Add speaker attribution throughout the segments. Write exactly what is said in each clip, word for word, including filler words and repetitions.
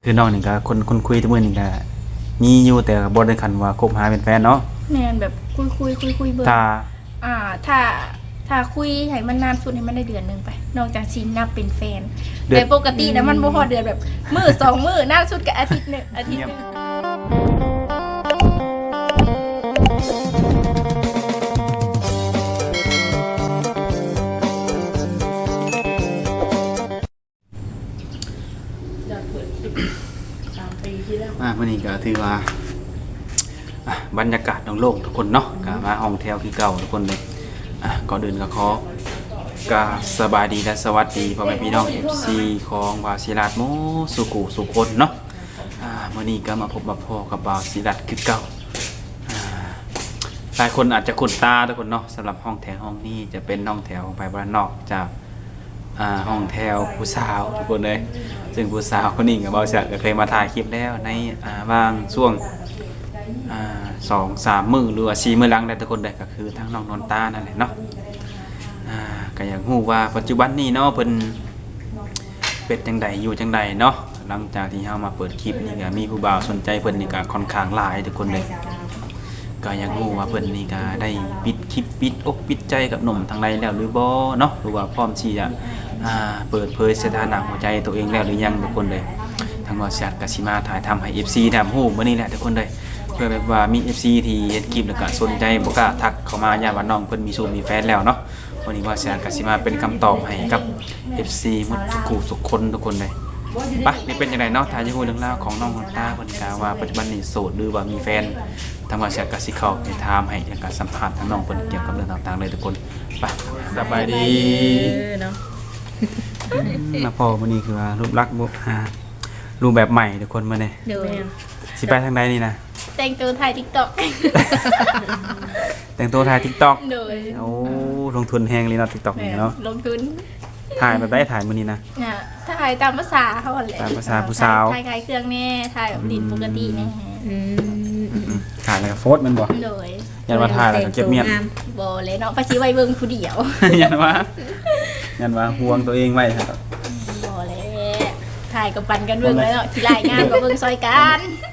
Speaker 1: คือน้องนี่ก็คนคนคุยทุกมื้อนี่ก็มีอยู่แต่ก็บ่ได้คันว่าคบหาเป็นแฟนเนาะ
Speaker 2: แม่นแบบคุยคุยคุยคุยเบิ่ง
Speaker 1: ถ้า
Speaker 2: อ่า ถ้าถ้าคุยให้มันนานสุดให้มันได้เดือนหนึงไปนอกจากสินับเป็นแฟนแต่ปกตินะมันบ่พอเดือนแบบมื้อสองมื้อนานสุดก็อาทิตย์หนึงอาทิตย์หนึง
Speaker 1: อ่ามื้อนี้ก็ถือว่าอ่ะบรรยากาศโล่งๆทุกคนเนาะก็มาห้องแถวคือเก่าทุกคนเลยอ่ะก่อนอื่นก็ขอก็สบายดีและสวัสดีพ่อแม่พี่น้อง เอฟ ซี ของบาวศิรัตน์โมสุกุสุคนเนาะอ่ามื้อนี้ก็มาพบมาพ่อกับบาวศิรัตน์คือเก่าอ่าหลายคนอาจจะคุ้นตาทุกคนเนาะสำหรับห้องแถวห้องนี้จะเป็นห้องแถวของไปบ้านนอกจากอ่าห้องแถวผู้สาวทุกคนเลยซึ่งผู้สาวคนนี้กับบาวศิรัตน์ก็เคยมาถ่ายคลิปแล้วในอ่าบางช่วงอ่าสองสามมื้อหรือว่าสี่มื้อหลังได้ทุกคนเลยก็คือทั้งน้องนนตานั่นแหละเนาะอ่าก็อยากรู้ว่าปัจจุบันนี้เนาะเพิ่นเป็นจังใดอยู่จังใดเนาะหลังจากที่เฮามาเปิดคลิปนี่ก็มีผู้บ่าวสนใจเพิ่นนี่ก็ค่อนข้างหลายทุกคนเลยก็อยากรู้ว่าเพิ่นนี่ก็ได้ปิดคลิปปิดอกปิดใจกับหนุ่มทางใดแล้วหรือบ่เนาะหรือว่าพร้อมที่จะอ่าเปิดเผยสถานะหัวใจตัวเองแล้วหรือยังทุกคนเลยทางบริษัทก็สิมาถ่ายทำให้ เอฟ ซี ได้ฮู้มื้อนี้แหละทุกคนเลยเพื่อแบบว่ามี เอฟ ซี ที่เห็นคลิปแล้วก็สนใจบ่กล้าทักเข้ามาย่านว่าน้องเพิ่นมีชู้มีแฟนแล้วเนาะวันนี้ว่าสิก็สิมาเป็นคำตอบให้กับ เอฟ ซี หมดทุกคู่ทุกคนทุกคนเลยปะนี่เป็นจังไดเนาะถ้าจะฮู้เรื่องราวของน้องนนตาเพิ่นก็ว่าปัจจุบันนี้โสดหรือว่ามีแฟนทางบริษัทก็สิเข้าไปถามให้แล้วก็สัมภาษณ์ทางน้องเพิ่นเกี่ยวกับเรื่องต่างๆเลยทุกคนไปสบายดีเนาะมาพอมื้อนี้คือว่ารูปลักษณ์บ่อ่ารูปแบบใหม่ทุกคนมื้อนี้
Speaker 2: เดี๋ยว
Speaker 1: สิไปทางใดนี่นะ
Speaker 2: แต่งตัวถ่าย TikTok
Speaker 1: แต่งตัวถ่าย TikTok
Speaker 2: เดี๋ยว
Speaker 1: โอ้ลงทุนแฮงเลยเนาะ TikTok นี่เนาะ
Speaker 2: ลงทุน
Speaker 1: ถ่ายแบบได้ถ่ายมื้อนี้นะ
Speaker 2: อ่ะถ่ายตามภาษาเขาแหละ
Speaker 1: ตามภาษาผู้สาว
Speaker 2: ถ่ายคล้ายเครื่องแน่ถ่ายแบบดินปกติแน่
Speaker 3: อืม
Speaker 1: ถ่ายแล้วก็โฟสมันบ่
Speaker 2: โดย
Speaker 1: ยันว่าถ่ายแล้วก็เก็บเมียน
Speaker 2: บ่เลยเนาะไปสิไว้เบิ่งผู้เดียว
Speaker 1: ยันว่ายันว่าห่วงตัวเองไว้ครับ
Speaker 2: บ่เลยถ่ายกับปันกันเบิ่งแล้วเนาะที่รายงานก็เบิ่งซอยกัน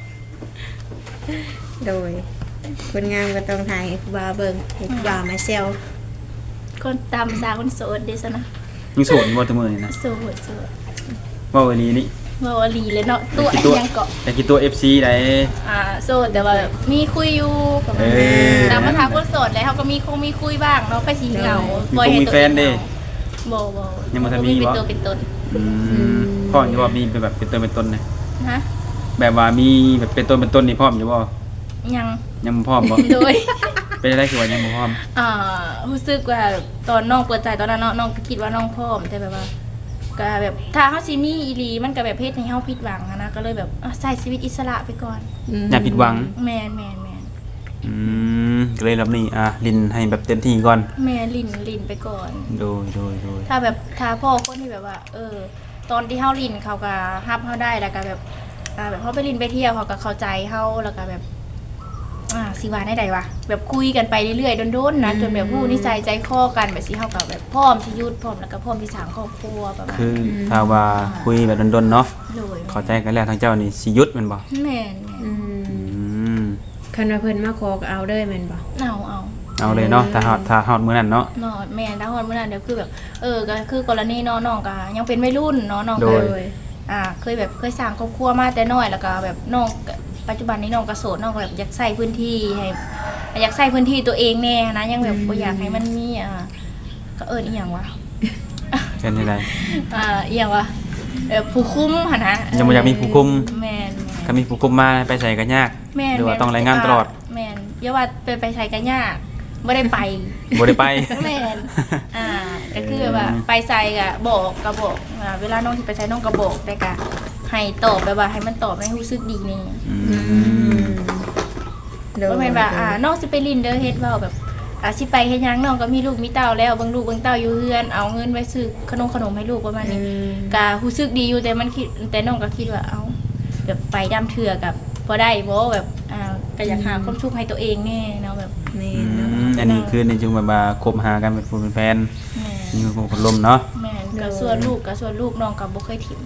Speaker 3: โดยคนงามก็ต้องถ่ายให้ผู้บ่าวเบิ่งให้ผู้บ่าวมาเซล
Speaker 2: คนตามภาษาคนโสดเด้ซะนะ
Speaker 1: มีสูตรบ่ตัวมื้อนี่นะ
Speaker 2: โสดโสด
Speaker 1: เว้าอีหลีนี่
Speaker 2: บ่ว่าลีเลยเนาะตัว
Speaker 1: กี่
Speaker 2: อัน
Speaker 1: ตัว
Speaker 2: ยังเกาะ
Speaker 1: แต่กี่ตัว เอฟ ซี ได้
Speaker 2: อ่าโสดแต่ว่าแบบมีคุยอยู่ประมาณ
Speaker 1: เออ
Speaker 2: ตามภาษาคนโสดแล้วเขาก็มีคงมีคุยบ้างเนาะไปสิเหงา
Speaker 1: มี
Speaker 2: ปล่อย
Speaker 1: คง
Speaker 2: ให้
Speaker 1: มี
Speaker 2: ตัว
Speaker 1: แฟนเด้
Speaker 2: บ่บ่
Speaker 1: ยังบ่ทันมี
Speaker 2: เป็น
Speaker 1: บ่
Speaker 2: ตัวเป็นตน
Speaker 1: อืมพ่ออยู่ว่ามีเป็นแบบเป็นตัวเป็นตนนะ
Speaker 2: ฮะ
Speaker 1: แบบว่ามีแบบเป็นตัวเป็นตนนี่พร้อมอยู่บ่
Speaker 2: ยัง
Speaker 1: ยังบ่พร้อมบ่
Speaker 2: โดย
Speaker 1: เป็นอะไรคือว่ายังบ่พร้อม
Speaker 2: อ่ารู้สึกว่าตอนน้องเปิดใจตอนนั้นเนาะน้องก็คิดว่าน้องพร้อมแต่แบบว่าก็แบบถ้าเฮาสิมีอีหลีมันก็แบบเฮ็ดให้เฮาผิดหวังอะนะก็เลยแบบอ่ะใช้ชีวิตอิสระไปก่อน
Speaker 1: อย่าผิดหวัง
Speaker 2: แม่นแม่นแม่น
Speaker 1: อืมก็เลยรอบนี้อ่ะลินให้แบบเต็มที่ก่อน
Speaker 2: แม่ลิ้นลิ้นไปก่อน
Speaker 1: โดยโดยโดย
Speaker 2: ถ้าแบบถ้าพ่อคนที่แบบว่า เออ ตอนที่เฮาลิ้นเขาก็ฮับเฮาได้แล้วก็แบบอ่าแบบเฮาไปลิ้นไปเที่ยวเขาก็เข้าใจเฮาแล้วก็แบบอ่าสิว่าได้ใดวะแบบคุยกันไปเรื่อยๆโดนๆนะจนแบบผู้นิสัยใจคอกันแบบสิเฮาก็แบบพร้อมที่ยุดพร้อมแล้วก็พร้อมที่สร้างครอบครัวประมาณ
Speaker 1: คือถ้าว่าคุยแบบดนๆเนาะ
Speaker 2: โดย
Speaker 1: เข้าใจกันแล้วทางเจ้านี่สิหยุดแม่นบ่
Speaker 2: แม่น
Speaker 3: อืม
Speaker 1: อืม
Speaker 3: คันว่าเพิ่นมาขอก็เอาเด้อแม่นบ่
Speaker 2: ๆเอาเอา
Speaker 1: เอาเลยเนาะถ้าฮอดถ้าฮอดมื้อนั้นเนาะ
Speaker 2: เนาะแม่นถ้าฮอดมื้อนั้นเดี๋ยวคือแบบเออก็คือกรณีน้องน้องก็ยังเป็นวัยรุ่นเนาะน้อง
Speaker 1: โด
Speaker 2: ก็
Speaker 1: ย
Speaker 2: อ่าเคยแบบเคยสร้างครอบครัวมาแต่น้อยแล้วก็แบบน้องก็ปัจจุบันนี้น้องก็โสดน้องก็แบบอยากใส่พื้นที่ให้อยากใส่พื้นที่ตัวเองแน่นะยังแบบบ่อยากให้มันมีอ่าก็เอิ้นอีหยังวะ
Speaker 1: เป็นจังได
Speaker 2: อ่าอีหยังวะเออผู้คุมหั่นนะ
Speaker 1: ยังบ่อยากมีผู้คุม
Speaker 2: แม่น
Speaker 1: ถ้ามีผู้คุมมาไปใส่ก็ยาก
Speaker 2: แม่น
Speaker 1: หรือว่าต้องรายงานตลอด
Speaker 2: แม่นอย่าว่าไปไปใช้กันยากบ่ได้ไป
Speaker 1: บ่ได้ไป
Speaker 2: แม่นอ่าก็คือแบบว่าไปใส่ก็บอกก็บอกอ่าเวลาน้องที่ไปใส่น้องก็บอกแต่ก็ให้ตอบแบบว่าให้มันตอบให้รู้สึกดีนี่
Speaker 1: อื
Speaker 3: อื
Speaker 1: ม
Speaker 3: มโดย
Speaker 2: บ่แม่นว่าอ่าน้องสิไปลินเด้อเฮ็ดเว้าแบบอ่าสิไปเฮ็ดหยังน้องก็มีลูกมีเต้าแล้วเบิ่งลูกเบิ่งเต้าอยู่เฮือนเอาเงินไว้ซื้อขนมขนมให้ลูกประมาณ
Speaker 3: อื
Speaker 2: นี้
Speaker 3: ม
Speaker 2: ก็รู้สึกดีอยู่แต่มันคิดแต่น้องก็คิดว่าเอ้าแบบไปดำเถื่อกับบ่ได้บ่แบบอ่าก็อยากหาความสุขให้ตัวเองแน่เนาะแบบ
Speaker 3: แม่
Speaker 1: อื
Speaker 3: นเนาะ
Speaker 1: มอันนี้คือในจุงแบบว่าคบหากันเป็นผู้เป็นแฟน
Speaker 2: แม่น
Speaker 1: มีคนคนลมเนาะ
Speaker 2: แม่นก็ส่วนลูกก็ส่วนลูกน้องก็บ่เคยถิ่ม
Speaker 1: อ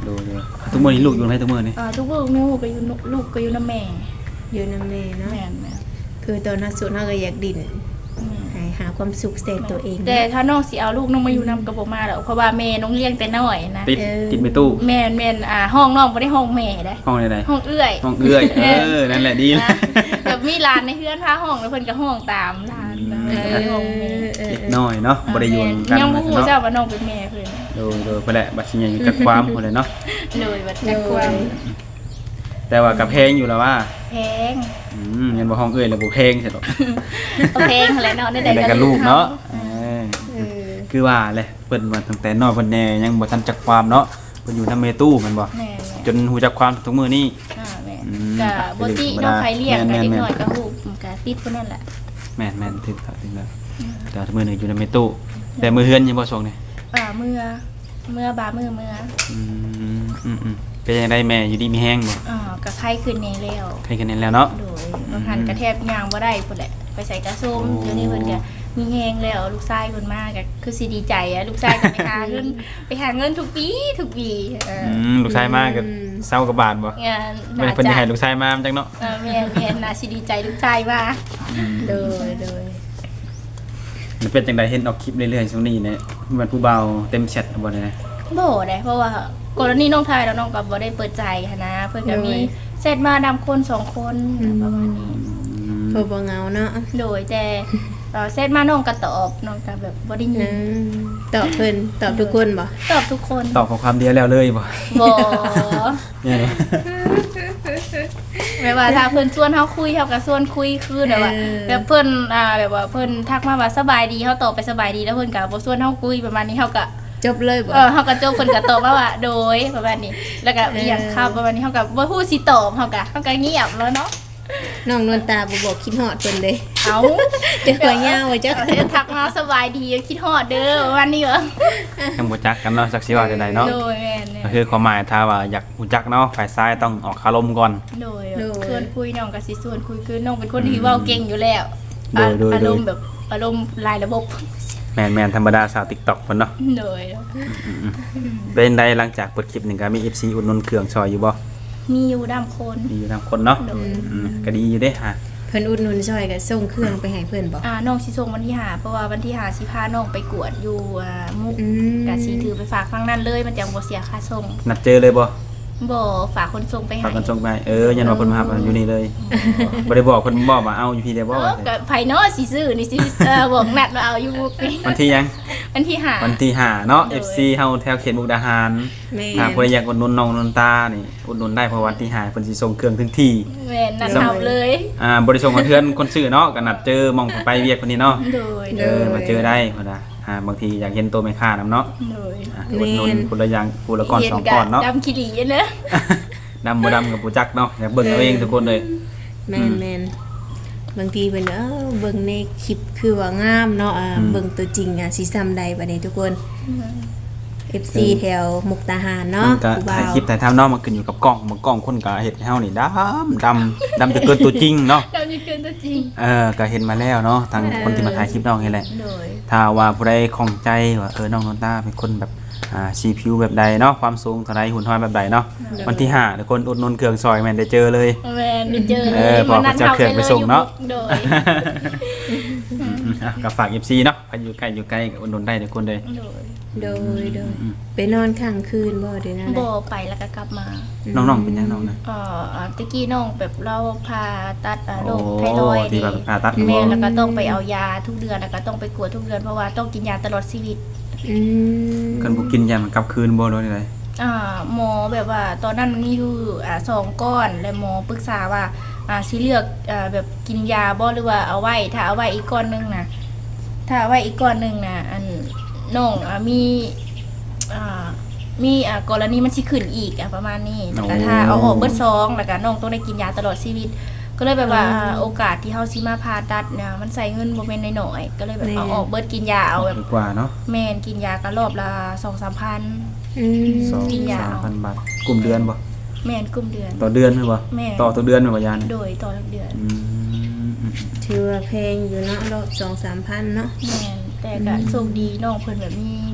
Speaker 1: ดูดูทุกมื้อนี้ลูกอยู่ไหนทุกมื้อนี่
Speaker 2: อ่าทุกลูกลูกก็อยู่นลูกก็อยู่นำแม่
Speaker 3: อยู่นำแม่เนาะ
Speaker 2: แม่นแม่น
Speaker 3: คือตอนนั้นสุดเฮาก็อยากดิ้นให้หาความสุขใส่ตัวเอง
Speaker 2: แต่ถ้าน้องสิเอาลูกน้องมาอยู่นำก็บ่มาแล้วเพราะว่าแม่น้องเลี้ยงแต่น้อยนะ
Speaker 1: ติดติดไปตู้
Speaker 2: แม่นแม่นอ่าห้องน้องบ่ได้ห้องแม่เด้
Speaker 1: ห้องใด
Speaker 2: ห้องเอื้อย
Speaker 1: ๆห้องเอื้อยเออนั่นแหละดีแล้ว
Speaker 2: แบบมีร้านในเฮือนพาห้องแล้วเพิ่นก็ห้องตามร้าน
Speaker 3: เอ
Speaker 2: แล้วเพิ่นก็ห้องแม่
Speaker 3: อเออ
Speaker 1: เล็ก
Speaker 3: เออ
Speaker 1: น้อยเนาะบ่ได้อยู่กัน
Speaker 2: ยังบ่ฮู้
Speaker 1: เนาะ
Speaker 2: เจ้าว่าน้องเป็นแม่เพิ่น
Speaker 1: ดูดูไปแหละบัดสิยังจักความพุ่นเลยเนาะ
Speaker 2: เลยบัดจักความ
Speaker 1: แต่ว่ากับเพลงอยู่แล้วว่า
Speaker 2: แพง
Speaker 1: อืมยันบ่ห้องเอื้อยแล้วบ่เพลงใช่ดอก
Speaker 2: เอาแพงแหละเนาะได้
Speaker 1: ได้กับลูกเนาะเออ
Speaker 3: เออ
Speaker 1: คือว่าแหละเพิ่นว่าตั้งแต่น้อยเพิ่นแน่ยังบ่ทันจักความเนาะเพิ่นอยู่นำเมตู้แม่นบ่
Speaker 2: แม่
Speaker 1: จนฮู้จักความทุกมื้อนี้
Speaker 2: ๆอ่าแม่
Speaker 1: อืม
Speaker 2: ก็บ่ติน้องใครเลี้ยง
Speaker 1: แม่
Speaker 2: ก็
Speaker 1: นๆ
Speaker 2: เด็กน้อยก็ฮู้ก็ติดพุ่นนั่นแหละ
Speaker 1: แม่นแม่นถึงแล้วถึงแล้วแต่ว่ามื้อนี้อยู่นำเมตู้แต่มื้อเฮือนยังบ่ส่งนี่
Speaker 2: อ่าเมื่อเมื่อบามื้อเมื่อ
Speaker 1: อืมอืมอืมเป็นจังไดแม่อยู่ดีมีแฮงบ่
Speaker 2: อ่าก็ไข้ขึ้นแน่แล้ว
Speaker 1: ใครกันแน่แล้วเนาะ
Speaker 2: โดยบางหันกระแทบย่างบ่ได้พุ่นแหละไปใส่กระส้ม
Speaker 1: โอ้
Speaker 2: เดี๋ยวนี้เพิ่นก็มีแฮงแล้วลูกชายเพิ่นมาก็คือสิดีใจอะลูกชายก็ไปหาเงิน ไปหาเงินทุกปีทุกปีเออ
Speaker 1: อืมลูกชายมาก็เศร้ากับบาดบ่
Speaker 2: งาน
Speaker 1: ไม่ได้เพิ่นสิให้ลูกชายมาจังเนาะ
Speaker 2: เออแม่แม่น่าสิดีใจลูกชายมา
Speaker 3: โดยโดย
Speaker 1: มันเป็นจังไดเห็นออกคลิปเรื่อยๆช่วงนี้เนี่ยมันผู้เบาเต็มแชทบ่ได้นะ
Speaker 2: บ่ได้เพราะว่ากรณีน้องทายแล้วน้องก็บ่ได้เปิดใจหันนะเพิ่นก็มีเซตมาดำคนสองคนประมาณนี้
Speaker 1: อืม
Speaker 3: พอบ่เหงาเนาะ
Speaker 2: โดยแต่เอ่อเซตมาน้องก็ตอบน้องก็แบบบ่ได้
Speaker 3: อื
Speaker 2: ยิน
Speaker 3: มตอบเพิ่นตอบทุกคนบ่
Speaker 2: ตอบทุกคน
Speaker 1: ตอบข้อความเดียวแล้วเลยบ่
Speaker 2: บ่
Speaker 1: เนี่ยนะ
Speaker 2: แบบว่าถ้าเพิ่นชวนเฮาคุยเฮาก็ชวนคุยคือแบบว่าแบบเพิ่นอ่าแบบว่าเพิ่นทักมาว่าสบายดีเฮาตอบไปสบายดีแล้วเพิ่นก็บ่ชวนเฮาคุยประมาณนี้เฮาก็
Speaker 3: จบเลยบ่
Speaker 2: เออเฮาก็จบเพิ่นก็ตอบมาว่าโดยประมาณนี้ แล้วก็อีหยังครับประมาณนี้เฮาก็บ่ฮู้สิตอบเฮาก็เฮาก็เงียบแล้วเนาะ
Speaker 3: น้องนวลตาบ่บอกคิดฮอดเพิ่นเด้
Speaker 2: เอ้า
Speaker 3: เดี๋ยวขอยาวไว้จัก
Speaker 2: เออทักมาสบายดีคิดฮอดเด้อประมาณนี้เหรอ
Speaker 1: ยังบ่จักกันเนาะจักสิว่าจังไดเนาะ
Speaker 2: โดยแม่นเนี่ย
Speaker 1: ก็คือความหมายถ้าว่าอยากรู้จักเนาะฝ่ายซ้ายต้องออกคารมก่อน
Speaker 2: โดยชวนคุยน้องก็สิชวนคุยคือน้องเป็นคนที่เว้าเก่งอยู่แล้ว
Speaker 1: โดยโดย
Speaker 2: อาร
Speaker 1: โดย
Speaker 2: มณ์แบบอารมณ์รายระบบ
Speaker 1: แม่นๆธรรมดาสาว TikTok เพิ่นเนาะ
Speaker 2: โดย
Speaker 1: เป็นไดหลังจากเปิดคลิปนี่ก็มี เอฟ ซี อุดหนุนเครื่องซอยอยู่บ่
Speaker 2: มีอยู่ดำคน
Speaker 1: มีอยู่นํคนเนาะ
Speaker 2: โดย
Speaker 1: อืมก็ดีอยู่เด้ฮะ
Speaker 3: เพิ่นอุดหนุนซอยก็ส่งเครื่องไปให้เพิ่นบ่
Speaker 2: อ่าน้องสิส่งวันที่หาเพราะว่าวันที่หาสิพาน้องไปกวดอยู่อ่ามุก
Speaker 3: อืม
Speaker 2: กะสิถือไปฝากฟังนั่นเลยมันจังบ่เสียค่าส่ง
Speaker 1: นัดเจอเลยบ่
Speaker 2: บ่ฝากคนส่งไปให้
Speaker 1: ฝากกันส่งไปเออยันว่าเพิ่นมารับอยู่นี่เลยบ่ได้บอกเพิ่นบอกว่าเอาอยู่พี่ได้บ่
Speaker 2: เออก็ไผเนาะสิซื้อนี่สิเออบอกนัดว่าเอาอยู่มุกนี่
Speaker 1: วันที่ยัง
Speaker 2: วันที่หา
Speaker 1: วันที่ห้าเนาะ
Speaker 2: โดย
Speaker 1: เอฟ ซี เฮาแถวเขตมุกดาหาร
Speaker 3: แม่
Speaker 1: ถ้าผู้ใดอยากอุดหนุนน้องนนตานี่อุดหนุนได้เพราะวันที่ห้าเพิ่นสิส่งเครื่องถึงที่
Speaker 2: แม่นนัดเฮาเลย
Speaker 1: อ่าบ่ได้ส่งกับเพื่อนคนซื้อเนาะก็นัดเจอหมองไปเวียกคนนี้เนาะ
Speaker 2: โดย
Speaker 1: เออมาเจอได้พุ่นน่ะอ่าบางทีอยากเห็นตัวแม่ค้านำเนาะ
Speaker 2: โดย
Speaker 1: อ่าอุดหนุนคนละอย่างคนละก้อนสองก้อนเนาะ
Speaker 2: ดำขี้หลีเนอะ
Speaker 1: ดำบ่ดำกับผู้จักเนาะอยากเบิ่งเอาเองทุกคนเลย
Speaker 3: แม่นแม่นบางทีเพิ่นเออเบิ่งในคลิปคือว่างามเนาะอ่าเบิ่งตัวจริงอ่ะสิซ้ำใดบัดนี้ทุกคน เอฟ ซี แถวมุกดาหารเนาะ
Speaker 1: มันก็
Speaker 3: ผู้บ่า
Speaker 1: ถ่ายว คลิปถ่ายทำเนาะมันขึ้นอยู่กับกล้องบางกล้องคนก็เฮ็ดให้เฮานี่ดำดำดำจะเกินตัวจริงเนาะ
Speaker 2: ดำจะเกินตัวจริง
Speaker 1: เออก็เห็นมาแล้วเนาะทางคนที่มาถ่ายคลิปน้องนี่แหละ
Speaker 2: โดย
Speaker 1: ถ้าว่าผู้ใดข้องใจว่าเออน้องนนตาเป็นคนแบบอ่าสีผิวแบบใดเนาะความสูงเท่าใดหุ่นห้อยแบบใดเนาะวันที่ห้าทุกคนอุดหนุนเครื่องซอยแม่นได้เจอเลย
Speaker 2: แม่นได้เจอเล
Speaker 1: เอย อพอเขาจะเอาเครื่องไปส่งเนาะ
Speaker 2: โดย
Speaker 1: อ่ะก็ฝาก เอฟ ซี เนาะใครอยู่ใกล้อยู่ใกล้ก็อุดหนุนได้ทุกคนเลย
Speaker 2: โดย
Speaker 3: โดยโดยไปนอนค้างคืนบ่เดี๋ยวนั้น
Speaker 2: บ่ไปแล้วก็กลับมา
Speaker 1: น้องๆเป็นยังน้องนะ
Speaker 2: เอ่ออ่าตะกี้น้องแบบเราพาตัดอ่าโร
Speaker 1: โอ้
Speaker 2: คไทรอยด์
Speaker 1: ที่แบบผ่าตัด
Speaker 2: แม่แล้วก็ต้องไปเอายาทุกเดือนแล้วก็ต้องไปกวดทุกเดือนเพราะว่าต้องกินยาตลอดชีวิต
Speaker 3: อืม
Speaker 1: กันบ่กินยามันกลับคืนบ่โดนอะไร
Speaker 2: อ่าหมอแบบว่าตอนนั้นมันมีอยู่อ่าสองก้อนและหมอปรึกษาว่าอ่าสิเลือกอ่าแบบกินยาบ่หรือว่าเอาไว้ถ้าเอาไว้อีกก้อนหนึงนะถ้าเอาไว้อีกก้อนหนึงนะอันน้องอ่ามีอ่ามีอ่ากรณีมันสิขึ้นอีกอ่ะประมาณนี้แล้วก็ถ้าเอาออกเบิดซองแล้วก็น้องต้องได้กินยาตลอดชีวิต ก็เลยแบบว่าอ่าโอกาสที่เฮาสิมาผ่าตัดเนี่ยมันใส่เงินบ่แม่นน้อยๆก็เลยแบบเอาออกเบิดกินยาเอาแบบ
Speaker 1: ดีกว่าเนาะ
Speaker 2: แม่นกินยาก็รอบละ สองถึงสามพัน
Speaker 3: อืม
Speaker 1: สอง
Speaker 2: กินยา
Speaker 1: สามพันบาทกลุ่มเดือนบ่
Speaker 2: แม่นกลุ่มเดือน
Speaker 1: ต่อเดือนหรือบ่
Speaker 2: แม่
Speaker 1: ต่อตัวเดือนแม่นบ่ยานี่
Speaker 2: โดยต่อทุกเดือน
Speaker 1: อืมอืม
Speaker 3: ถือว่าแพงอยู่เนาะรอบสองสามพันเนาะ
Speaker 2: แม่นแต่ก็โชคดีน้องเพิ่นแบบมีมี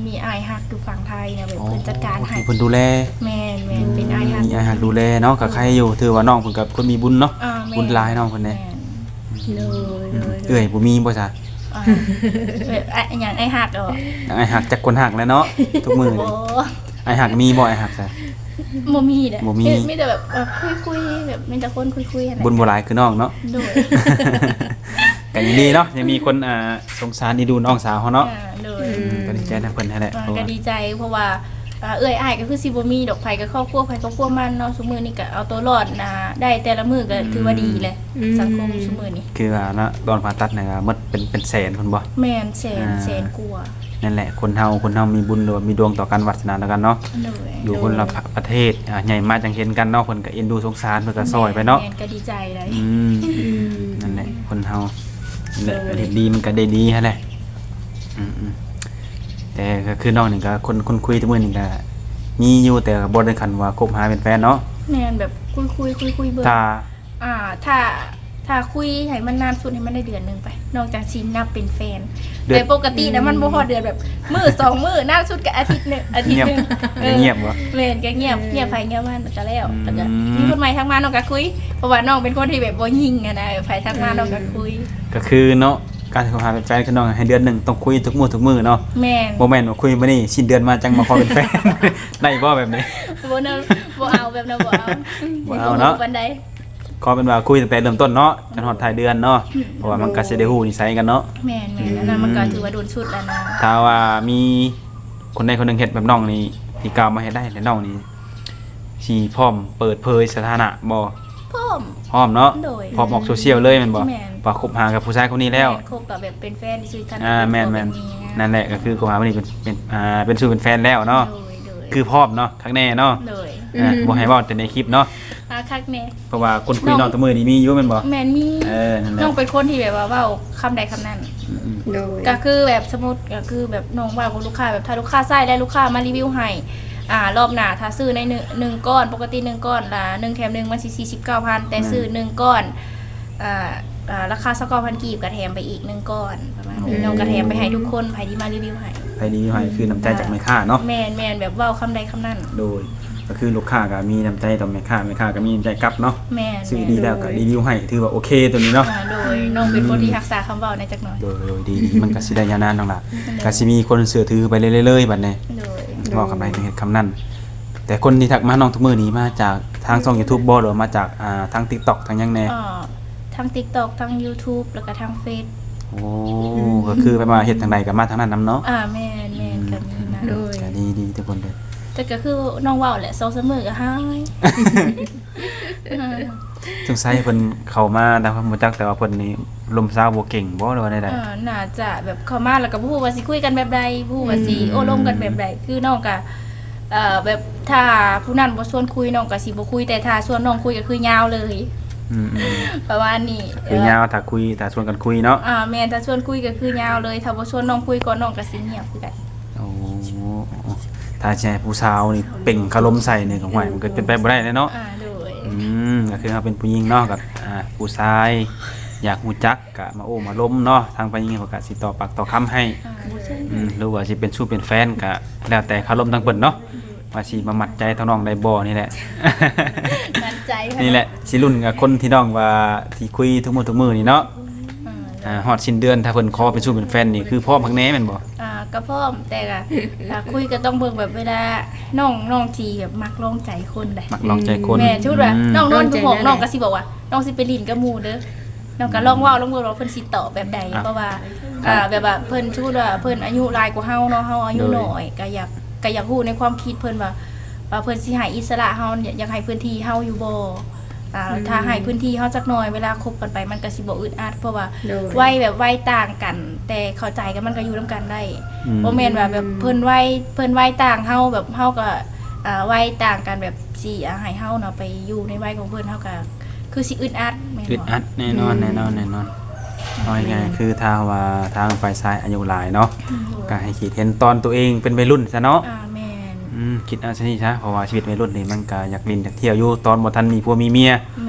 Speaker 2: มีอ้ายฮักอยู่ฝั่งไทยนะแบบเพิ่นจัดการให้
Speaker 1: เพิ่นดูแล
Speaker 2: แม่นแม่นเป็นอ้ายฮัก
Speaker 1: มีอาหารดูแลเนาะก็ใครอยู่ถือว่าน้องเพิ่นก็คนมีบุญเนาะ
Speaker 2: อ่าแม่น
Speaker 1: บุญหลายน้องเพิ่นเด้
Speaker 2: แม่น
Speaker 3: โดยโดย
Speaker 1: เอ้ยบ่มีบ่ซะ
Speaker 2: อ่าแบบอะอย่างไอ้ฮักอ่ะ
Speaker 1: ไอ้หักจักคนหักแล้วเนาะทุกมื้อ
Speaker 2: โอ้
Speaker 1: นี่ไอ้หักมีบ่ไอ้หักซะ
Speaker 2: บ่มีเด้อ
Speaker 1: บ่มี
Speaker 2: มีแต่แบบเออคุยๆแบบมีแต่คนคุยๆหั่นแหละ
Speaker 1: บุญบ่หลายคือน้องเนาะ
Speaker 2: โดย
Speaker 1: ก็ยินดีเนาะยังมีคนอ่าสงสารดีดูน้องสาวเขาเนาะ
Speaker 2: อ่าโดย
Speaker 1: อืมก็ดีใจนะเพิ่นนั่นแหละ
Speaker 2: อ่า
Speaker 1: เพราะ
Speaker 2: ก็
Speaker 1: ว่า
Speaker 2: ดีใจเพราะว่าอ่าเอ้ยอ้ายก็คือสิบ่มีดอกไผก็ครอบครัวไผครอบครัวมันเนาะซุมื้อนี้ก็เอาตัวรอดนะได้แต่ละมื้อก็ถือว่าดีแหละสังคมซุมื้อนี้
Speaker 1: คือว่าเนาะตอนผ่าตัดเนี่ยก็หมดเป็นเป็นแสนพุ่นบ่
Speaker 2: แม่นแสน
Speaker 1: อ่า
Speaker 2: แสนกว่า
Speaker 1: นั่นแหละคนเฮาคนเฮามีบุญหรือว่ามีดวงต่อกันวาสนาต่อกันเนาะ
Speaker 2: โดย
Speaker 1: อยู่คนละประเทศอ่าใหญ่มาจังเห็นกันเนาะเพิ่นก็เอ็นดูสงสารเพิ่นก็ซอยไปเนาะ
Speaker 2: แม่นก็ดีใจเลย
Speaker 1: อืม
Speaker 3: อืม
Speaker 1: นั่นแหละคนเฮานั่นแหละก็เฮ็ดดีมันก็ได้ดีหั่นแหละอืมๆแต่ก็คือน้องนี่ก็คนคนคุยทุกมื้อนี่ก็มีอยู่แต่ก็บ่ได้คันว่าคบหาเป็นแฟนเนาะ
Speaker 2: แม่นแบบคุยคุยคุยคุยๆเบิ่ง
Speaker 1: ถ้า
Speaker 2: อ่าถ้าถ้าคุยให้มันนานสุดให้มันได้เดือนหนึงไป นอกจากชินนับเป็นแฟนแต่ปกตินะมันบ่พอเดือนแบบมื้อสองมื้อนานสุดก็อาทิตย์หนึงอาทิตย์
Speaker 1: เงียบ
Speaker 2: หนึงออ
Speaker 1: เงียบบ่
Speaker 2: แม่นก็เงียบเงียบไปเงียบมาก็แล้ว
Speaker 1: อืม
Speaker 2: แล้วก็มีคนใหม่ทักมาน้องก็คุยเพราะว่าน้องเป็นคนที่แบบบ่ยิงอะนะไผทักมาน้องก็คุย
Speaker 1: ก็คือเนาะการคบหาเป็นแฟนคือน้องให้เดือนหนึงต้องคุยทุกมื้อทุกมื้อเนาะ
Speaker 2: แม่น
Speaker 1: บ่แม่นว่าคุยมื้อนี้สิ้นเดือนมาจังมาขอเป็นแฟน ได้บ่แบบนี้
Speaker 2: บ่เนาะบ่เอาแบบนั้นบ่เอา
Speaker 1: บ่เอาเนาะ
Speaker 2: ปานใด
Speaker 1: ขอเป็นว่าคุยตั้งแต่เริ่มต้นเนาะจนฮอดท้ายเดือนเนาะเพราะว่ามันก็สิได้ฮู้นิสัยกันเนาะ
Speaker 2: แม่นแม่นอันนั้นมันก็ถือว่าโดนชุดแล้วนะ
Speaker 1: ถ้าว่ามีคนใดคนหนึงเฮ็ดแบบน้องนี่ที่กล่าวมาเฮ็ดได้แล้วน้องนี่สิพร้อมเปิดเผยสถานะบ่
Speaker 2: พร้อม
Speaker 1: พร้อมเนาะ
Speaker 2: โดย
Speaker 1: พร้อมออกโซเชียลเลยแม่นบ่
Speaker 2: แม่น
Speaker 1: ว่าคบหากับผู้ชายคนนี้แล้ว
Speaker 2: ม่นคบกับแบบเป็นแฟนที่ชื่อทัน
Speaker 1: อ่าแม่นแม่นนั่นแหละก็คือคบหาคนนี้เป็นเป็นอ่าเป็นสู่เป็นแฟนแล้วเนาะ
Speaker 2: โดยโดย
Speaker 1: คือพร้อมเนาะครั้งแน่เนาะ
Speaker 2: โดย
Speaker 1: อ่าบ่ให้เว้าแต่ในคลิปเนาะ
Speaker 2: อาคักแน่
Speaker 1: เพราะว่าคนคุยน้องแตะมือนี่มีอยู่แม่นบ่
Speaker 2: แม่นมี
Speaker 1: เออนั่นแหละ
Speaker 2: น้องเป็นคนที่แบบว่าเว้าคำใดคำนั้น
Speaker 1: อืม
Speaker 3: โดย
Speaker 2: ก็คือแบบสมมุติก็คือแบบน้องเว้ากับลูกค้าแบบถ้าลูกค้าใส่แล้วลูกค้ามารีวิวให้อ่ารอบหน้าถ้าซื้อในหนึ่งหนึ่งก้อนปกติหนึ่งก้อนละหนึ่งแถมหนึ่งมันสิสี่สิบเก้าพันแต่ซื้อหนึ่งก้อนอ่าอ่าราคาสักเก้าพันกีบก็แถมไปอีกหนึ่งก้อนประมาณนี้น้องก็แถมไปให้ทุกคนใครที่มารีวิวให้
Speaker 1: ไปดีให้คือน้ำใจจากแม่ค้าเนาะ
Speaker 2: แม่นแม่นแบบเว้าคำใดคำนั้น
Speaker 1: โดยก็คือลูกค้าก็มีน้ำใจต่อแม่ค้าแม่ค้าก็มีน้ำใจกลับเนาะ
Speaker 2: แม่น
Speaker 1: ซื้อดีแล้วก็รีวิวให้ถือว่าโอเคตัวนี้เนาะ
Speaker 2: อ่าโดยน้องเป็นคนที่รักษาคำเว้าในจักหน่อย
Speaker 1: โดยโดยดีดีมันก็สิได้ยาวนานน้องล่ะก็สิมีคนเชื่อถือไปเรื่อยๆบัดนี้
Speaker 2: โดย
Speaker 1: เว้าคำใดถึงเฮ็ดคำนั้นแต่คนที่ทักมาน้องทุกมื้อนี้มาจากทางช่อง YouTube บ่หรือว่ามาจากอ่าทาง TikTok ทางหยังแน่
Speaker 2: อ่าทั้ง TikTok ทั้ง YouTube แล้วก็ทั้งเฟซ
Speaker 1: โอ้ก็คือไปมาเฮ็ดทางใดก็มาทางนั้นนํเนาะ
Speaker 2: อ่าแม่นแม่นก็มีนะ
Speaker 3: โดย
Speaker 1: ก็ดีดีทุกคนเด้อ
Speaker 2: แต่ก็คือน้องเว้าแหละสองสามมื้อก็หายอ่า
Speaker 1: สงสัยเพิ่นเข้ามาแต่ว่าบ่จักแต่ว่าเพิ่นนี่ลมซาวบ่เก่งบ่หรือว่าใด
Speaker 2: อ่าน่าจะแบบเข้ามาแล้วก็บ่ฮู้ว่าสิคุยกันแบบใดบ่ฮู้ว่าสิโอ้ลมกันแบบใดคือน้องก็เอ่อแบบถ้าผู้นั้นบ่ชวนคุยน้องก็สิบ่คุยแต่ถ้าชวนน้องคุยก็คือยาวเลย
Speaker 1: ๆอืม
Speaker 2: ประมาณนี้
Speaker 1: ๆคือยาวถ้าคุยถ้าชวนกันคุยเนาะ
Speaker 2: อ่าแม่นถ้าชวนคุยก็คือยาวเลยถ้าบ่ชวนน้องคุยก่อนน้องก็สิเงียบคือกัน
Speaker 1: โอ้ถ้าใช่ผู้สาวนี่เป่งคารมใส่นี่ก็ห่วยมันก็เป็นไปบ่ได้เลยเนาะ
Speaker 2: อ่าโดย
Speaker 1: อืมก็คือเราเป็นผู้หญิงเนาะกับอ่าผู้ชายอยากฮู้จักก็มาโอ้มาล้มเนาะทางผู้หญิงเขาก็สิต่อปากต่อคำให้
Speaker 2: อ่า
Speaker 1: อืมหรือว่าสิเป็นสู้เป็นแฟนก็แล้วแต่คารมทางเพิ่นเนาะว่าสิมามัดใจทางน้องได้บ่นี่แหละ
Speaker 2: มั่นใจค่
Speaker 1: นี่แหละสิรุ่นกับคนที่น้องว่าที่คุยทุกมื้อทุกมื้อนี่เนาะ
Speaker 2: อ่า
Speaker 1: อ่าฮอดสิ้นเดือนถ้าเพิ่นขอเป็นสู้เป็นแฟนนี่คือพร้อมพักแน่แม่นบ่
Speaker 2: อ่าก็พร้อมแต่ก็อ่าคุยก็ต้องเบิ่งแบบเวลาน้องน้องทีแบบมักลองใจคนได้
Speaker 1: มักลองใจคน
Speaker 2: แม่ชุดว่า
Speaker 1: อืม
Speaker 2: น้องนอนอยู่ห้องน้องก็สิบอกว่าน้องสิไปลินกับหมู่เด้อน้องก็ลองเว้าลองเบิ่งว่าเพิ่นสิตอบแบบใดเพราะว่าอ่าแบบว่าเพิ่นชุดว่าเพิ่นอายุหลายกว่าเฮาเนาะเฮาอายุน้อยก็อยากก็อยากรู้ในความคิดเพิ่นว่าว่าเพิ่นสิให้อิสระเฮาอยากให้พื้นที่เฮาอยู่บ่อ่าถ้าให้พื้นที่เฮาจักหน่อยเวลาคบกันไปมันก็สิบ่อึดอัดเพราะว่า
Speaker 3: โดย
Speaker 2: วัยแบบวัยต่างกัน แต่เข้าใจกันมันก็อยู่นํกันได้
Speaker 1: อืม
Speaker 2: บ่แม่นว่าแบบเพิ่นวัยเพิ่นวัยต่างเฮาแบบเฮาก็อ่าวัยต่างกันแบบสิอ่าให้เฮาเนาะไปอยู่ในวัยของเพิ่นเฮาก็คือสิอึดอัดแม่น
Speaker 1: อึด
Speaker 2: บ่
Speaker 1: อัดแน่นอนแน่นอนแน่นอนเอาง่ายๆคือถ้าว่าทางฝ่ายซ้ายอายุหลายเนาะก็ให้คิดเห็นตอนตัวเองเป็นวัยรุ่นซะเนาะ
Speaker 2: อ่าแม่น
Speaker 1: อืมคิดเอาซะนี่ซะเพราะว่าชีวิตวัยรุ่นนี่มันก็อยากเล่นอยากเที่ยวอยู่ตอนบ่ทันมีผัวมีเมีย
Speaker 2: แม่น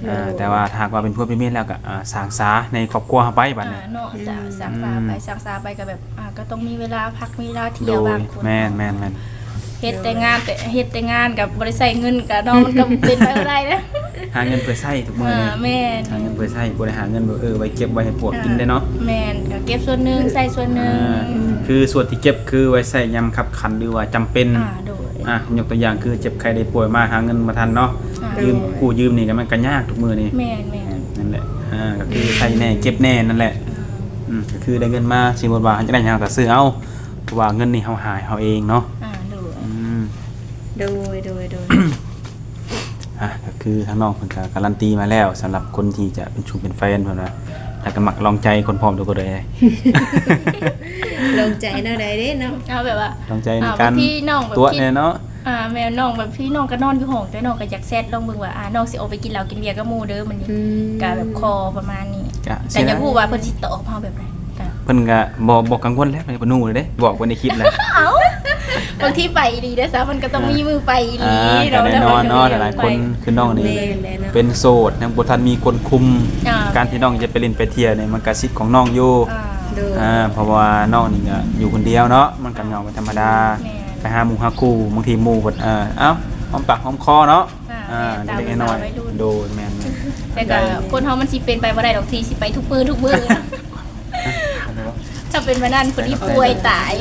Speaker 1: อ่าแต่ว่าถ้าหากว่าเป็นผัวเป็นเมียแล้วก็อ่าสร้างสาในครอบครัวเฮาไปบัด
Speaker 2: อ่า
Speaker 1: นี้
Speaker 2: เนาะจะสังสาไปสังสาไปก็แบบอ่าก็ต้องมีเวลาพักมีเวลาเที่
Speaker 1: โด
Speaker 2: ยวย บางคน
Speaker 1: แม่นแม่นแม่น
Speaker 2: เฮ็ดแต่งานแต่เฮ็ดแต่งานกับบริษัทเงินกับน้องมันก็เป็นไปบ่ได้นะ
Speaker 1: หาเงินเพื่อใช้ทุกมื้อ
Speaker 2: อ่า
Speaker 1: นี้
Speaker 2: แม่น
Speaker 1: หาเงินเพื่อใช้บ่ได้หาเงินแบบเออไว้เก็บไว้ให้พวกกินได้เนาะ
Speaker 2: แม่นก็เก็บส่วนหนึงใส่ส่วนหนึง
Speaker 1: อ่าคือส่วนที่เก็บคือไว้ใช้ยามคับขันหรือว่าจำเป็น
Speaker 2: อ่าโดย
Speaker 1: อ่ะยกตัวอย่างคือเจ็บไข้ได้ป่วยมาหาเงินมาทันเนาะ
Speaker 2: อ่า
Speaker 1: ยืมกู้ยืมนี่ก็มันก็ยากทุกมื้อนี่
Speaker 2: แม่นแม่น
Speaker 1: นั่นแหละอ่าก็คือใช้แน่เก็บแน่นั่นแหละอืมก็คือได้เงินมาสิบ่ว่าจะได้หยังก็ซื้อเอาเพราะว่าเงินนี่เฮาหาเฮาเองเนาะ
Speaker 2: อ่าโดย
Speaker 1: อืม
Speaker 3: โดยโดยโดย
Speaker 1: อ่ะก็คือทางน้องเพิ่นก็การันตีมาแล้วสำหรับคนที่จะเป็นชูเป็นแฟนเพิ่นว่าแล้วก็มักลองใจคนพร้อมทุกคนเลย
Speaker 3: ลงใจเนาะได้เด้เนาะ
Speaker 2: เอาแบบว่า
Speaker 1: ลองใจใน
Speaker 2: อ่า
Speaker 1: การ
Speaker 2: บางทีน้องแบบ
Speaker 1: ตัว
Speaker 2: คิด
Speaker 1: เนี่ยเนาะ
Speaker 2: อ่าแม่น้องแบบพี่น้องก็นอนอยู่ห้องแต่น้องก็อยากแซดลองเบิ่งว่าอ่าน้องสิออกไปกินเหล้ากินเบียร์กับหมู่เด้อมันนี่
Speaker 3: อืม
Speaker 2: ก็แบบคอประมาณนี้
Speaker 1: ก็
Speaker 2: แต่อย่าพูดว่าเพิ่นสิตอบเฮาแบบไหนก็
Speaker 1: เพิ่นก็บ่บ่กังวลแล้วเพิ่นบ่นูเลยเด้บอกไว้ในคลิปแล้ว
Speaker 2: เอ้าบางทีไปดีเด้อซะมันก็ต้องมีมือไปดี
Speaker 1: อ่าก็แน่นอนเนาะหลายๆคนคือน้องนี่
Speaker 3: แม่นแหละเนาะ
Speaker 1: เป็นโสดยังบ่ทันมีคนคุม
Speaker 2: อ่า
Speaker 1: การที่น้องจะไปเล่นไปเที่ยวเนี่ยมันก็สิทธิ์ของน้องอยู่
Speaker 2: อ่า
Speaker 3: โดย
Speaker 1: อ่าเพราะว่าน้องนี่ก็อยู่คนเดียวเนาะมันก็เหงาเป็นธรรมดา
Speaker 2: แม่น
Speaker 1: ไปหาหมู่หาคู่บางทีหมู่เพิ่นเอ่อเอ้าหอมปากหอมคอเนาะ
Speaker 2: อ่า
Speaker 1: อ่า
Speaker 2: แม่น
Speaker 1: เล็กๆน้อย
Speaker 2: ตามภาษาวัยรุ่น
Speaker 1: ๆโดนแม่น
Speaker 2: แต่ก็คนเฮามันสิเป็นไปบ่ได้ดอกทีสิไปทุกมื้อทุกมื้อนะถ้าเป็นมานั่นคนที่ป่วยตาย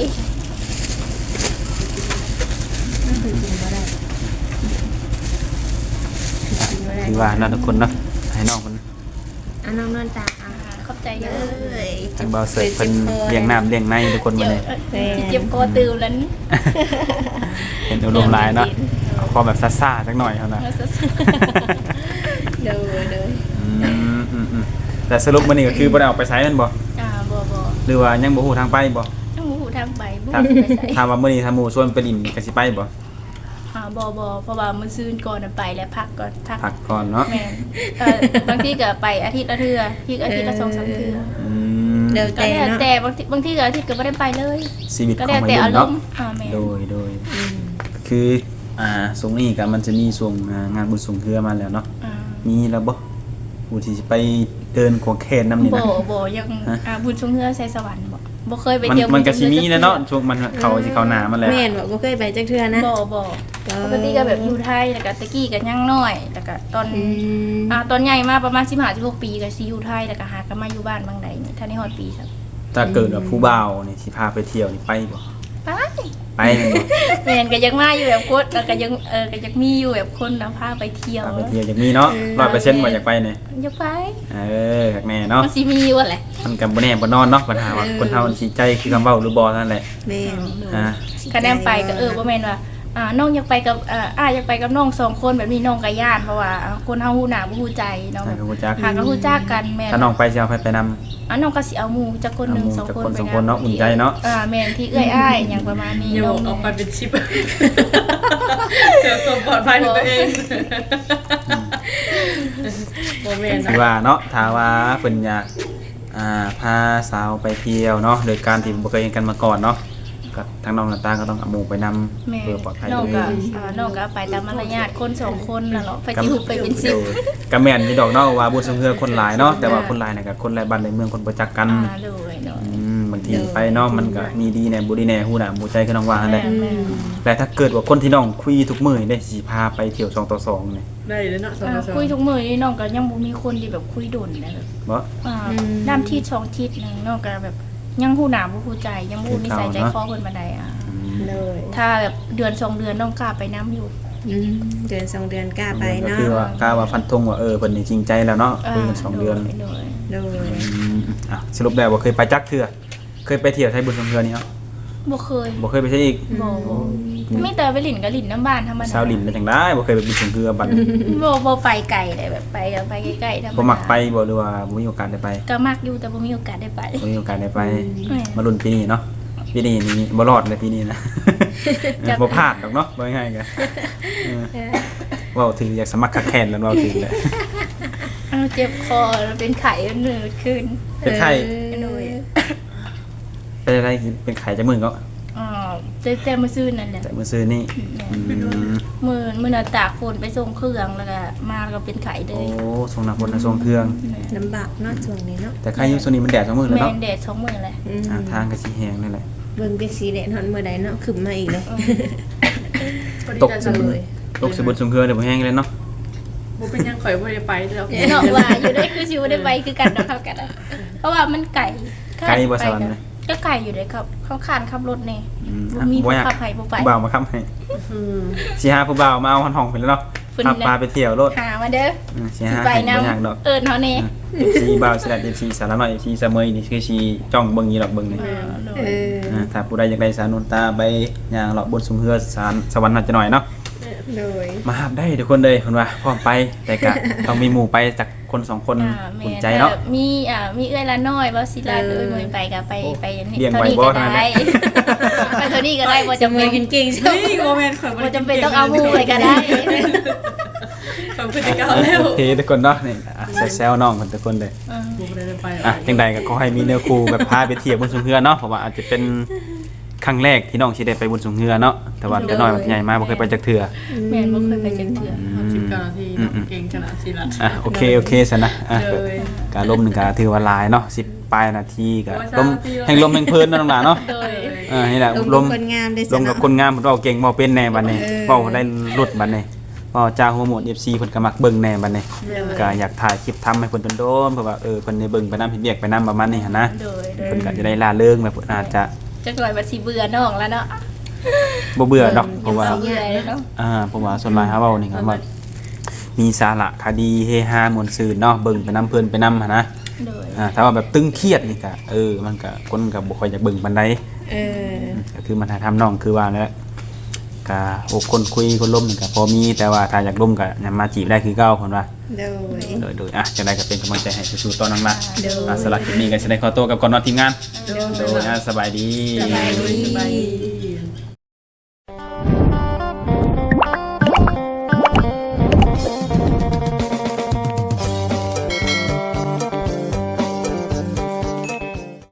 Speaker 1: คือว่าน่าทุกคนเนาะให้น้องมัน
Speaker 3: อ่ะน้องนอนตาอ่ะ
Speaker 2: ขอบใจเด้
Speaker 3: เอ
Speaker 2: อ้
Speaker 3: ย
Speaker 1: ทางเบาเสิร์ฟเพิ่นเลี้ยงน้ำเลี้ยงในทุกคนมา
Speaker 2: เจ็บ
Speaker 1: เลย
Speaker 2: ที่เจ็บคอตื่นแล้วนี่
Speaker 1: เห็นอารมณ์หลายเนาะเอาพอแบบซ่าๆจักหน่อยเท่านั้น
Speaker 3: โดยโดย
Speaker 1: อืมอืมอืมแต่สรุปมื้อนี้ก็คือบ่ได้ออกไปไสแม่นบ่
Speaker 2: อ่าบ่บ่
Speaker 1: หรือว่ายังบ่ฮู้ทางไปบ่
Speaker 2: ต้องหูทางไปบ่
Speaker 1: ถ้า
Speaker 2: ไปใส่
Speaker 1: ถ้าว่ามื้อนี้ถ้าหมู่ชวนไปดินก็สิไปบ่
Speaker 2: อ่าบ่บ่เพราะว่ามื้อซืนก่อนน่ะไปแล้วพักก่อนพัก
Speaker 1: พักก่อนเนาะ
Speaker 2: แม่นเอ่อบางทีก็ไปอาทิตย์ละเทื่อที่อาทิตย์ละสองสามเทื่อ
Speaker 1: อืม
Speaker 3: เดี๋ยว
Speaker 2: ก็
Speaker 3: แต่
Speaker 2: แล้ว
Speaker 3: เนาะ
Speaker 2: แต่บางทีบางทีก็อาทิตย์ก็ไม่ได้ไปเลย
Speaker 1: ชีวิตข
Speaker 2: ก็
Speaker 1: อง
Speaker 2: แล้ว
Speaker 1: วัย
Speaker 2: แต่
Speaker 1: รุ่
Speaker 2: อาน ร
Speaker 1: เนาะ
Speaker 2: มณ์อ่าแม่
Speaker 1: โดยโดยคืออ่าสงนี้ก็มันจะมีส่งอ่างานบุญส่งเรือมาแล้วเนาะ
Speaker 2: อ่า
Speaker 1: มีแล้วบ่ผู้ที่สิไปเดินขวงแขนน้ำนี่
Speaker 2: บ่
Speaker 1: นะ
Speaker 2: บ่ยัง
Speaker 1: ฮะ
Speaker 2: อ่าบุญชงเฮือใส่สวรรค์บ่บ่เคยไป
Speaker 1: มัน
Speaker 2: เที่ยว
Speaker 1: มันก็
Speaker 2: บุญ
Speaker 1: สิ
Speaker 2: ชง
Speaker 1: มี
Speaker 2: ฮือ
Speaker 1: แล้วเนาะช่วงมันเขาสิเขาหนามาแล้ว
Speaker 3: แม่นบอกบ่เคยไปจักเทื่อนะ
Speaker 2: บ่บ่ปกติก็แบบอยู่ไทยแล้วก็ตะกี้ก็ยังน้อยแล้วก็ตอน
Speaker 3: อืม
Speaker 2: อ่าตอนใหญ่มาประมาณสิบห้าสิบหกปีก็สิอยู่ไทยแล้วก็หาก็มาอยู่บ้านบางใดนี่ถ้าในฮอดปีครับ
Speaker 1: ถ้าเกิดว่าผู้บ่าวนี่สิพาไปเที่ยวนี่ไปบ่
Speaker 2: ไป
Speaker 1: ไปแม่นบ่
Speaker 2: แม่นก็ยังมาอยู่แบบคนแล้วก็ยังเออก็ยังมีอยู่แบบคนนำพาไปเที่ยว
Speaker 1: พาไปเที่ยวอยากมีเนาะ ร้อยเปอร์เซ็นต์บ่อยากไปนี่
Speaker 2: อยากไป
Speaker 1: เอออยากแน่เนาะ
Speaker 2: มันสิมีอยู่แหละ
Speaker 1: มันก็บ่แน่บ่นอนเนาะปัญหาว่าคนเฮามันสิใจคือคำเว้าหรือบ่นั่นแหละ
Speaker 3: แม่น
Speaker 1: อ่า
Speaker 2: คะแนนไปก็เออบ่แม่นว่าอ่าน้องอยากไปกับอ่าอ้ายอยากไปกับน้องสองคนแบบนี้น้องก็ย่านเพราะว่าคนเฮาฮู้หน้าบ่ฮู้ใจเนาะ
Speaker 1: ใช่ก็รู้จัก
Speaker 2: หาก็ฮู้จักกันแม่น
Speaker 1: ถ้าน้องไปสิเอาไปไปนำ
Speaker 2: อ่าน้องก็สิเอาหมู่จักคนหนึง
Speaker 1: เอาหมู่
Speaker 2: สอง
Speaker 1: จัก
Speaker 2: คน
Speaker 1: คน
Speaker 2: ไป
Speaker 1: สองคนเนาะอุ่นใจเนาะ
Speaker 2: อ่าแม่นที่เอื้อยอ้ายหยังประมาณนี้
Speaker 4: โย
Speaker 2: น้อง
Speaker 4: กออกไปเป็นชิปเพื่อความปลอดภัยของตัวเองโมเมนต์
Speaker 1: คือว่าเนาะถ้าว่าเพิ่นอยากอ่าพาสาวไปเที่ยวเนาะโดยการที่บ่เคยเห็นกันมาก่อนเนาะก็ทางน้องหน้าตาก็ต้องเอาหมู่ไปนำ
Speaker 2: แม่
Speaker 1: เพื่อปลอดภัย
Speaker 2: น้อง
Speaker 1: ตัว
Speaker 2: ก็
Speaker 1: เอง
Speaker 2: อ่าน้องก็ไปตามมารยาทคนสองคนน่ะเนาะไปสิฮู้ไปเป็นสิบ
Speaker 1: โดยก็แม่นอยู่ดอกเนาะว่าบุญสงเฮือคนหลายเนาะแต่ว่าคนหลายน่ะก็คนหลายบ้านหลายเมืองคนบ่จักกัน
Speaker 2: อ่าโดยเนาะ
Speaker 1: อืมบางทีไปเนาะมันก็มีดีแหน่บ่ดีแหน่ฮู้หน้าฮู้ใจคือน้องว่านั่นแหละ
Speaker 2: แม่น
Speaker 1: แต่ถ้าเกิดว่าคนที่น้องคุยทุกมื้อนี่ได้สิพาไปเที่ยวสองต่อสองนี่
Speaker 4: ได้เลยเนาะสอง
Speaker 2: อ่า
Speaker 4: ต่อสอง
Speaker 2: คุยทุกมื้อนี่น้องก็ยังบ่มีคนที่แบบคุยดนนะแบบ
Speaker 1: บ่
Speaker 2: อ่าด้านที่สองทิศนึงน้องก็แบบยังฮู้หน้าบ่ฮู้ใจยังบ่ฮู้นิสัยใจคอเพิ่นปานใดอ่ะ
Speaker 3: เลย
Speaker 2: ถ้าแบบเดือนสองเดือนน้องกล้าไปน้ำอยู่
Speaker 3: อืมเดือนสองเดือนกล้าไป
Speaker 1: ก็
Speaker 3: เนาะ
Speaker 1: คือว่ากล้าว่าฟันธงว่าเออเพิ่นนี่จริงใจแล้วเนาะคุยกันสองเดือน
Speaker 2: ไปเลย
Speaker 3: โดย
Speaker 1: อืมอ่ะสรุปได้ว่าเคยไปจักเทื่อเคยไปเที่ยวไทยบุญสงเฮือนี่เนาะ
Speaker 2: บ่เคย
Speaker 1: บ่เคยไปใช่อีก
Speaker 2: บ่บ่มีแต่ไปหลินกับหลินน้ำบ้านธรรมดา
Speaker 1: ชาวลินได้จังได้บ่เคยไปบุญสงเฮือบัด
Speaker 2: บ่บ่ไปไกลเลยแบบไปก็ไปใกล้ๆธรรมดา
Speaker 1: บ่มักไปบ่หรือว่าบ่มีโอกาสได้ไป
Speaker 2: ก็มักอยู่แต่บ่มีโอกาสได้ไป
Speaker 1: บ่มีโอกาสได้ไป
Speaker 2: แม่
Speaker 1: มาลุ้นปีนี้เนาะปีนี้นี่บ่รอดเลยปีนี้นะ
Speaker 2: จัก
Speaker 1: บ่พลาดดอกเนาะบ่ง่ายๆกันเออเว้าถึงอยากสมัครคักแคนแล้วเว้าถึงแหละ
Speaker 2: เอาเจ็บคอแล้วเป็นไข้เหนื่อยขึ้น
Speaker 1: เป็นไข้
Speaker 2: เหนื่อย
Speaker 1: เป็นอะไรเป็นไข้จะมึนก็
Speaker 2: อ่าแต่แต่มื้อซื่นนั่นแหละ
Speaker 1: แต่มื้อซื้อนี่อืม
Speaker 2: มื้อมื้อน่ะตากฝนไปส่งเครื่องแล้วก็มาแล้วก็เป็นไข้เล
Speaker 1: โอ้
Speaker 2: ย
Speaker 1: ส่งน้ำฝนส่งเครื่อง
Speaker 3: ลำบากเนาะช่วงนี้เนาะ
Speaker 1: แต่ใครอยู่โซนนี้มันแดดสองมื้อแล้ว
Speaker 2: แม่
Speaker 1: เนาะ
Speaker 2: นแดดสองมื้อเลย
Speaker 3: อืม
Speaker 1: อ่าทางก็สิแห้งนั่นแหละ
Speaker 3: เบิ่งเป็นสีแดงฮอนเมื่อใดเนาะขึ้นมาอีกเลย
Speaker 1: ตกสมตกสมุดสมเครือเดี๋ยวบ่แห้งเลยเนาะ
Speaker 4: บ่เป็นหยังข่อยบ่ได้ไปแล้ว
Speaker 2: เนาะว่าอยู่ได้คือสิบ่ได้ไปคือกันเนาะครับกันอะเพราะว่ามันไก่
Speaker 1: ไกลบ่สวรรค์เลย
Speaker 2: ก็ไก่อยู่เลยครับเขาขานขับรถแน่
Speaker 1: อืม
Speaker 2: บ่
Speaker 1: อ่ะ
Speaker 2: มี
Speaker 1: บ่
Speaker 2: ผู้
Speaker 1: อยาก
Speaker 2: ขับให้บ่ไป
Speaker 1: ผู้บ่าวมาค้ำให้
Speaker 4: อืม
Speaker 1: สิหาผู้บ่าวมาเอาห้องๆไปแล้วเนาะ
Speaker 2: เพิ่น
Speaker 1: พา
Speaker 2: นี่แหละ
Speaker 1: พาไปเที่ยวรถ
Speaker 2: หามาเด้อ
Speaker 1: อืมสิ
Speaker 2: สิ
Speaker 1: หา
Speaker 2: ไป
Speaker 1: ให้
Speaker 2: นำ
Speaker 1: บ่อยากดอก
Speaker 2: เอิ้นเฮาแน่
Speaker 1: เอฟซีบ่าวสิได้ เอฟ ซี สารน้อย เอฟ ซี เสมอนี่คือสิจ้องเบิ่งอยู่ดอกเบิ่งนี่
Speaker 3: เออ
Speaker 1: อ่าถ้าผู้ใดอยากได้สารนนตาไปย่างเลาะบนสุมเฮือสารสวรรค์น่าจะหน่อยเนาะ
Speaker 3: โดย
Speaker 1: มาหาได้ทุกคนเลยเพิ่นว่าพร้อมไปแต่ก็ ต้องมีหมู่ไปสักคนสองคน
Speaker 2: อ่าแม่
Speaker 1: อุ่นใจเนาะ
Speaker 2: แต่มีอ่ามีเอื้อยละน้อยบ่สิลา
Speaker 3: เออ
Speaker 2: เอ้ยมื้อไปก็ไปไปนี่
Speaker 1: เลี้ยง
Speaker 2: เท่า
Speaker 1: ไว้
Speaker 2: นี้
Speaker 1: บ่
Speaker 2: ก็
Speaker 1: เท่านั้นแห
Speaker 2: ได้
Speaker 1: ละ
Speaker 2: ไปเท่านี้ก็ได้บ่
Speaker 3: จะ
Speaker 2: จำ
Speaker 3: มื
Speaker 2: เป็
Speaker 3: อน กินเก่งใช่ไหม
Speaker 4: เฮ้ยโมเมนต์ข่อยบ่
Speaker 2: บ่
Speaker 4: ได้
Speaker 2: จำเป็นต้องเอาหมู่ไปก็ได้
Speaker 4: ข่อยบ่ได้เก่าแล้ว
Speaker 1: โอเคทุกคนเนาะนี่อ่ะแซวๆน้องเพิ่นทุกคนเลย
Speaker 2: อืม
Speaker 4: บ่ได้ไป
Speaker 1: อ่ะจังใดก็ขอให้มีแนวครูแบบพาไปเที่ยวบนสุมเฮือเนาะเพราะว่าอาจจะเป็นครั้งแรกที่น้องสิได้ไปบนสุมเฮือเนาะแต่ว่าแต่น้อยมันใหญ่มากบ่เคยไปจักเทื่อ
Speaker 2: แม่นบ่เคยไปจังเทื่อ
Speaker 4: สิบเก้านาทีเก่งขนาดสิล่ะ
Speaker 1: อ่ะโอเคโอเคซะนะอ่ะ
Speaker 4: เลย
Speaker 1: การลมหนึ่งก็ถือว่าหลายเนาะสิบปลายนาทีก็
Speaker 4: โอ้ย
Speaker 1: ลม
Speaker 4: สามนาทีแล้ว
Speaker 1: แห่งลมแห่งเพลินเนาะน้องหลานเนาะ
Speaker 2: โดย
Speaker 1: อ่านี่แหละ
Speaker 3: ล
Speaker 1: ล
Speaker 3: ม
Speaker 1: ม
Speaker 3: คนงามได้
Speaker 1: ลมกับคนงามเพิ่นเว้าเก่งเว้าเป็นแน่บัดนี้
Speaker 3: เออ
Speaker 1: เว้าได้รุดบัดนี้เว้าจ้าหัวหมด เอฟ ซี เพิ่นก็มักเบิ่งแน่บัดนี้ก็อยากถ่ายคลิปทำให้เพิ่นโดนๆเพราะว่าเออเพิ่นได้เบิ่งไปนำเฮ็ดเวียกไปนำประมาณนี้หั่นนะ
Speaker 2: โดยโดย
Speaker 1: เพิ่นก็จะได้ล่าเริงแบบเพิ่นอาจจะ
Speaker 2: จักหน่อยบัดสิเบื่อน้องแล้วเนาะ
Speaker 1: บ่เบื่อดอกเพราะว่า
Speaker 2: เบื่อแล้วเนาะ
Speaker 1: อ่าเพราะว่าส่วนหลายเฮาเว้านี่ก็ว่ามีสาระคดีเฮฮาม่วนซื่นเนาะเบิ่งไปนำเพิ่นไปนำหั่นนะ
Speaker 2: โดย
Speaker 1: อ่าถ้าว่าแบบตึงเครียดนี่ก็เออมันก็คนก็บ่ค่อยอยากเบิ่งปานใด
Speaker 3: เออ
Speaker 1: ก็คือมันหาทำน้องคือว่าแล้วก็โอ้คนคุยคนล้มนี่ก็พอมีแต่ว่าถ้าอยากล้มก็ยังมาจีบได้คือเก่าเพิ่นว่า
Speaker 3: โดย
Speaker 1: โดยโดยอ่ะจังได๋ก็เป็นกำลังใจให้สู้ๆต่อนังละ
Speaker 3: โดย
Speaker 1: อ่ะสำหรับคลิปนี้ก็สิได้ขอตัวกับก่อนนอนทีมงาน
Speaker 4: เดี๋ยว
Speaker 1: โดยอ่ะสบายดี
Speaker 2: สบายดี
Speaker 4: สบายดี